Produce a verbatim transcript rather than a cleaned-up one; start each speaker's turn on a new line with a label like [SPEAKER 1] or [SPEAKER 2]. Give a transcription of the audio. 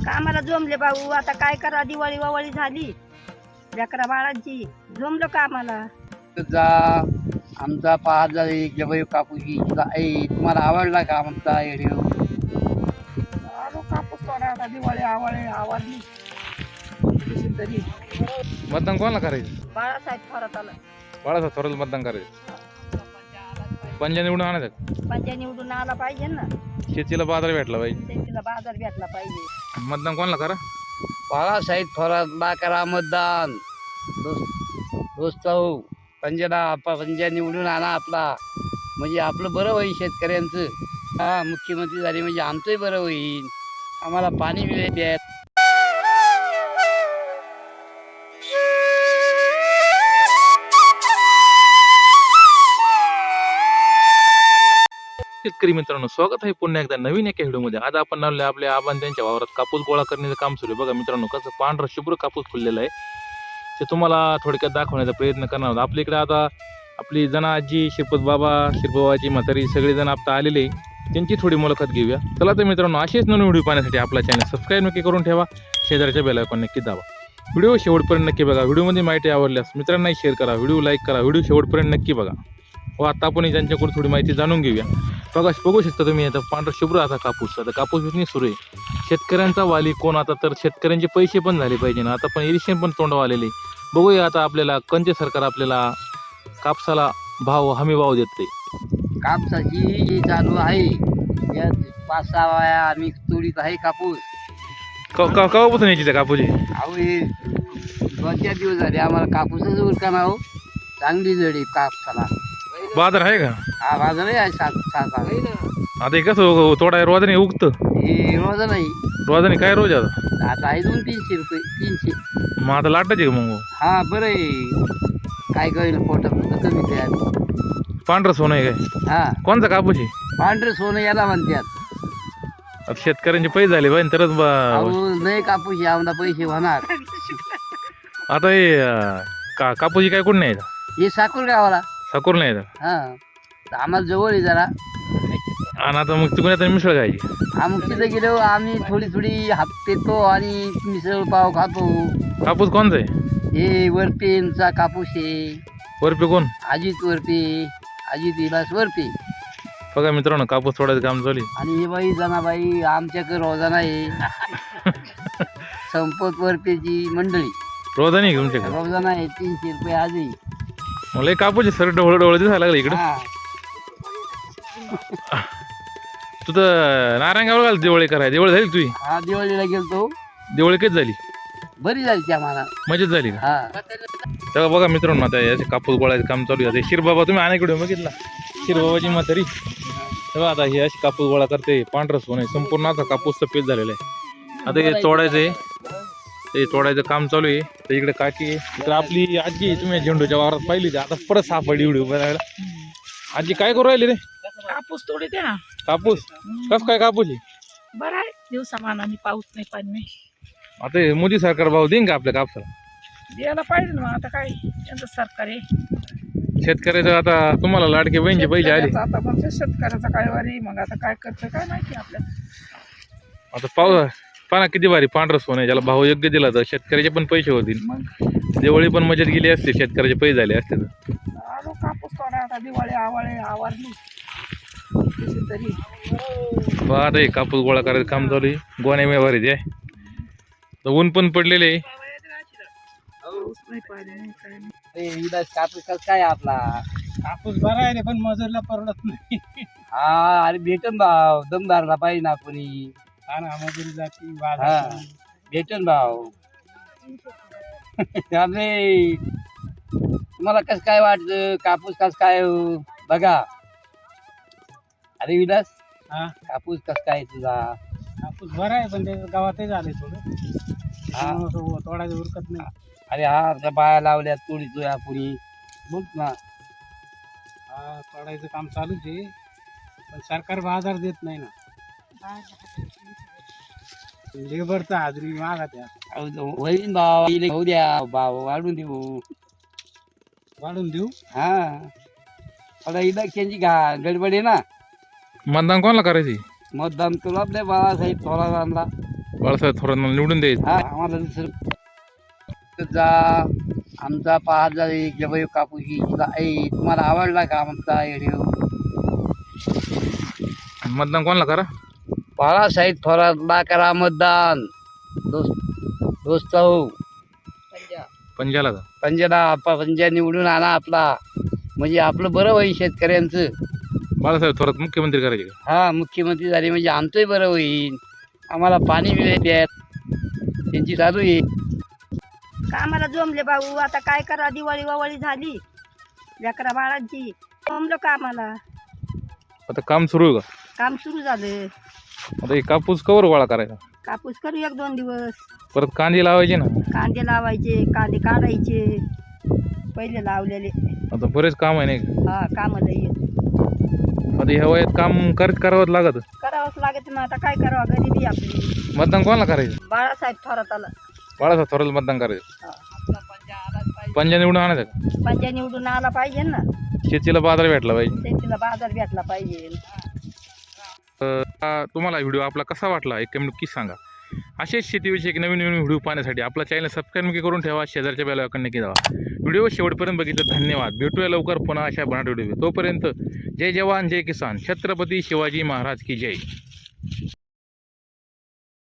[SPEAKER 1] कामाला जमले भाऊ, आता काय करा, दिवाळी वावळी झाली, लेकरा बाळांची जमलं कामाला.
[SPEAKER 2] जा आमचा पाच हजार एक जबई कापूस आहे. तुम्हाला आवडला का आमचा व्हिडिओ?
[SPEAKER 1] आलो कापूस तोडा, आता दिवाळी आवळे आवडली तरी.
[SPEAKER 3] मतदान कोणाला करायचं?
[SPEAKER 1] बाळासाहेब थोरात आला.
[SPEAKER 3] बाळासाहेब थोरात मतदान करायचं. पंजा निवडून आणायचं.
[SPEAKER 1] पंजा निवडून आला पाहिजे ना,
[SPEAKER 3] शेतीला बाजार भेटला पाहिजे.
[SPEAKER 1] शेतीला बाजार भेटला पाहिजे.
[SPEAKER 3] मतदान कोणाला करा?
[SPEAKER 2] बाळासाहेब थोरातला करा मतदान. दोस्त दोस्त हो, पंजाला पंजा निवडून आणा आपला, म्हणजे आपलं बरं होईल शेतकऱ्यांचं. हा मुख्यमंत्री झाले म्हणजे आमचंही बरं होईल, आम्हाला पाणी मिळेल द्यात.
[SPEAKER 3] शेतकरी मित्रांनो, स्वागत आहे पुन्हा एकदा नवीन एका व्हिडिओमध्ये. आज आपण लावले आपल्या आबान त्यांच्या वावरात कापूस गोळा करण्याचं काम सुरू आहे. बघा मित्रांनो, कसं पांढरा शुभ्र कापूस फुललेला आहे, ते तुम्हाला थोडक्यात दाखवण्याचा प्रयत्न करणार आहोत. आपल्या इकडे आता आपली जना आजी, शिरपत बाबा, शिरपबाबाची म्हातारी सगळेजण आता आलेले, त्यांची थोडी मुलाखत घेऊया. चला तर मित्रांनो, असेच नवीन व्हिडिओ पाहण्यासाठी आपला चॅनल सबस्क्राईब नक्की करून ठेवा, शेजारच्या बेल आयकॉन नक्की दाबा. व्हिडिओ शेवटपर्यंत नक्की बघा. व्हिडिओमध्ये माहिती आवडल्यास मित्रांनाही शेअर करा, व्हिडिओ लाईक करा, व्हिडिओ शेवटपर्यंत नक्की बघा. व आता आपण त्यांच्याकडून थोडी माहिती जाणून घेऊया. बघा, बघू शकता तुम्ही आता पांढरा शुभ्र आता कापूस, आता कापूस विकणे सुरू आहे. शेतकऱ्यांचा वाली कोण? आता तर शेतकऱ्यांचे पैसे पण झाले पाहिजे ना, आता पण इरिक्शन पण तोंडावर आलेले. बघूया आता आपल्याला कोणते सरकार आपल्याला कापसाला भाव हमी भाव देते.
[SPEAKER 2] कापसाची जी चालू आहे, या पाच सहा वाया आम्ही तोडीत आहे कापूस.
[SPEAKER 3] केव्हापासून यायची त्या कापूसची?
[SPEAKER 2] अहो हे दोन चार दिवस झाले आम्हाला कापूसच उरकाना हो. चांगली जड आहे कापसाला.
[SPEAKER 3] बाजार आहे का?
[SPEAKER 2] हा बाजार आहे सात सात आहे.
[SPEAKER 3] आता हे कसं तोडाय रोजाने उगतं?
[SPEAKER 2] हे रोज नाही,
[SPEAKER 3] रोजाने काय रोज आता?
[SPEAKER 2] आता आहे दोन तीनशे रुपये तीनशे.
[SPEAKER 3] मग आता लाटायचे का मग?
[SPEAKER 2] हा बरं आहे, काय कळेल पोटात कमी द्या.
[SPEAKER 3] पांढरं सोनं आहे काय?
[SPEAKER 2] हा
[SPEAKER 3] कोणता कापूस आहे?
[SPEAKER 2] पांढरं सोनं याला म्हणतात.
[SPEAKER 3] आता शेतकऱ्यांचे पैसे झाले पाहिजे तरच बा-
[SPEAKER 2] अहो नाही कापूस आहे, आम्हाला पैसे होणार.
[SPEAKER 3] आता हे का कापूस काय कोण नाही
[SPEAKER 2] हे साकूर गावाला
[SPEAKER 3] साकोर नाही येत.
[SPEAKER 2] हा, तर आम्हाला जवळ आहे जरा.
[SPEAKER 3] आणि आता मग तिकडे आता मिसळ खायची.
[SPEAKER 2] आम्ही तिथं गेलो, आम्ही थोडी थोडी हात पेतो आणि मिसळ पाव खातो.
[SPEAKER 3] कापूस कोणचा आहे?
[SPEAKER 2] हे वरपेंचा कापूस आहे.
[SPEAKER 3] वरपे कोण?
[SPEAKER 2] अजित वरपे, अजित विलास वरपे.
[SPEAKER 3] बघा मित्रांनो, कापूस तोडायचं काम चालू आहे.
[SPEAKER 2] आणि हे बाई जनाबाई आमच्याकडे रोजाना आहे. संपत वरपेची मंडळी
[SPEAKER 3] रोजाने आहे का तुमच्याकडे?
[SPEAKER 2] रोजाना आहे, तीनशे रुपये आजही.
[SPEAKER 3] मला एक कापूस सर डोळ डोळ दिसायला लागलं इकडं.
[SPEAKER 2] हा.
[SPEAKER 3] तू तर नारायणगावला घाल दिवाळी करायला. दिवाळी झाली तुझी?
[SPEAKER 2] हा दिवाळीला गेलतो,
[SPEAKER 3] दिवाळी कधी झाली?
[SPEAKER 2] बरी झाली ती आम्हाला.
[SPEAKER 3] मजेत झाली का?
[SPEAKER 2] हा
[SPEAKER 3] तेव्हा बघा मित्रांनो, आता याचे कापूस गोळायचं काम चालू आहे. शिरबाबा तुम्ही अनेकडे बघितला, शिरबाबाची म्हातारी तेव्हा आता हे अशी कापूस गोळा करते. पांढरं सोनं आहे, संपूर्ण आता कापूस सफेद झालेला आहे. आता हे तोडायचं आहे, ते तोडायचं काम चालू आहे. तर इकडे काकी आहे, इकडे आपली आजी आहे. तुम्ही झेंडूच्या वावरात पाहिली होती, आता परत सापडली व्हिडिओ बनायला. आजी काय करू राहिली रे?
[SPEAKER 4] कापूस तोडते ना.
[SPEAKER 3] कापूस कस काय कापूस आहे?
[SPEAKER 4] बरं आहे, दिवसामानाने पाऊस नाही पाणी नाही.
[SPEAKER 3] आता हे मोदी सरकार भाव देईन का आपल्या कापसाला?
[SPEAKER 4] द्यायला पाहिजे ना. मग आता काय यांचं सरकार आहे.
[SPEAKER 3] शेतकऱ्याचं आता तुम्हाला लाडके बहिणीचे पैसे आले.
[SPEAKER 4] शेतकऱ्याचं आता म्हणजे शेतकऱ्याचा काय वारी, मग आता काय करतं काय माहिती आपल्याला.
[SPEAKER 3] आता पाऊस पाना किती भारी पांढरं सोनं आहे, ज्याला भाव योग्य दिला तर शेतकऱ्याचे पण पैसे होतील.
[SPEAKER 4] मग
[SPEAKER 3] दिवाळी पण मजेत गेली असते, शेतकऱ्याचे पैसे झाले असते तर.
[SPEAKER 4] आलो कापूस तोडा, आता दिवाळी आवळे आवरली तरी.
[SPEAKER 3] बा आता हे कापूस गोळा करायचं काम चालू आहे. गोण्या व्यवहार आहे, तर ऊन पण पडलेले आहे.
[SPEAKER 4] पाऊस नाही पाणी नाही काय नाही.
[SPEAKER 2] ए, विलास कापूस कसं काय आपला?
[SPEAKER 4] कापूस बरा आहे रे, पण मजूरला परवडत नाही.
[SPEAKER 2] हा अरे भेटन भाव, दम धरला पाहिजे ना कोणी.
[SPEAKER 4] हा ना, मजुरी जाती
[SPEAKER 2] हा भेटन भाव. त्यामुळे तुम्हाला कसं काय वाटतं कापूस कसं काय हो? बघा अरे विलास,
[SPEAKER 4] हा
[SPEAKER 2] कापूस कसं काय तुझा?
[SPEAKER 4] कापूस बरा आहे, पण ते गावातही झाले थोडं.
[SPEAKER 2] हा
[SPEAKER 4] तोडायचं उरकत नाही.
[SPEAKER 2] अरे हा आमच्या बाया लावल्या तोडी तुया पुरी बोल ना.
[SPEAKER 4] हा तोडायचं काम चालूच आहे, पण सरकार बाजार देत नाही ना. लेबरचा हाजरी मागा त्या.
[SPEAKER 2] होईन भाव, होऊ द्या भाव वाढून देऊ.
[SPEAKER 4] वाढून देऊ.
[SPEAKER 2] हा आता इलेक्शनची घा गडबड आहे ना.
[SPEAKER 3] मतदान कोणाला करायची?
[SPEAKER 2] मतदान तुला आपल्या बाळासाहेब थोरातांना.
[SPEAKER 3] बाळासाहेब थोरांना निवडून द्यायचं.
[SPEAKER 2] हा आम्हाला दुसरं जा आमचा पाच हजार एक जबाई कापूस घ्यायचा आहे. तुम्हाला आवडला का आमचा व्हिडिओ?
[SPEAKER 3] मतदान कोणाला करा?
[SPEAKER 2] बाळासाहेब थोरातला करा मतदान. दोस्त दोस्त हो
[SPEAKER 3] पंजाला का?
[SPEAKER 2] पंजाला पंजा निवडून आणा आपला, म्हणजे आपलं बरं होईल शेतकऱ्यांचं.
[SPEAKER 3] बाळासाहेब थोरात मुख्यमंत्री करायचे का?
[SPEAKER 2] हा मुख्यमंत्री झाले म्हणजे आमचंही बरं होईल. आम्हाला पाणी मिळेल त्यांची चालू आहे.
[SPEAKER 1] कामाला जमले भाऊ, आता काय करा, दिवाळी वावळी झाली लेकरा बाळांची, जमलं कामाला.
[SPEAKER 3] आता काम सुरू आहे का?
[SPEAKER 1] काम सुरू झालं.
[SPEAKER 3] आता हे कापूस कवर गोळा करायचा?
[SPEAKER 1] कापूस करू एक दोन दिवस.
[SPEAKER 3] परत कांदे लावायचे ना.
[SPEAKER 1] कांदे लावायचे, कांदे काढायचे पहिले लावलेले.
[SPEAKER 3] आता बरेच काम आहे नाही का?
[SPEAKER 1] हा कामाला येत
[SPEAKER 3] आता ह्या वयात काम करत करावंच लागत.
[SPEAKER 1] करावंच लागत. मग आता काय करावं, गरिबी आपली.
[SPEAKER 3] मतदान कोणाला करायचं?
[SPEAKER 1] बाळासाहेब थोराताला.
[SPEAKER 3] बाळासाहेब थोराला मतदान करायचं. पंजा निवडून आणायचं का?
[SPEAKER 1] पंजा निवडून आला पाहिजे ना,
[SPEAKER 3] शेतीला बाजार भेटला पाहिजे.
[SPEAKER 1] शेतीला बाजार भेटला पाहिजे.
[SPEAKER 3] हा, तुम्हाला व्हिडिओ आपला कसा वाटला एक कमेंट नक्की सांगा. असेच शेतीविषयक नवीन नवीन व्हिडिओ पाहण्यासाठी आपला चॅनल सबस्क्राईब नक्की करून ठेवा. शेजारच्या बेल आयकॉन नक्की दाबा. व्हिडिओ शेवटपर्यंत बघितलं धन्यवाद. भेटूया लवकर पुन्हा अशा बनाट व्हिडिओ. तोपर्यंत जय जवान जय किसान, छत्रपती शिवाजी महाराज की जय.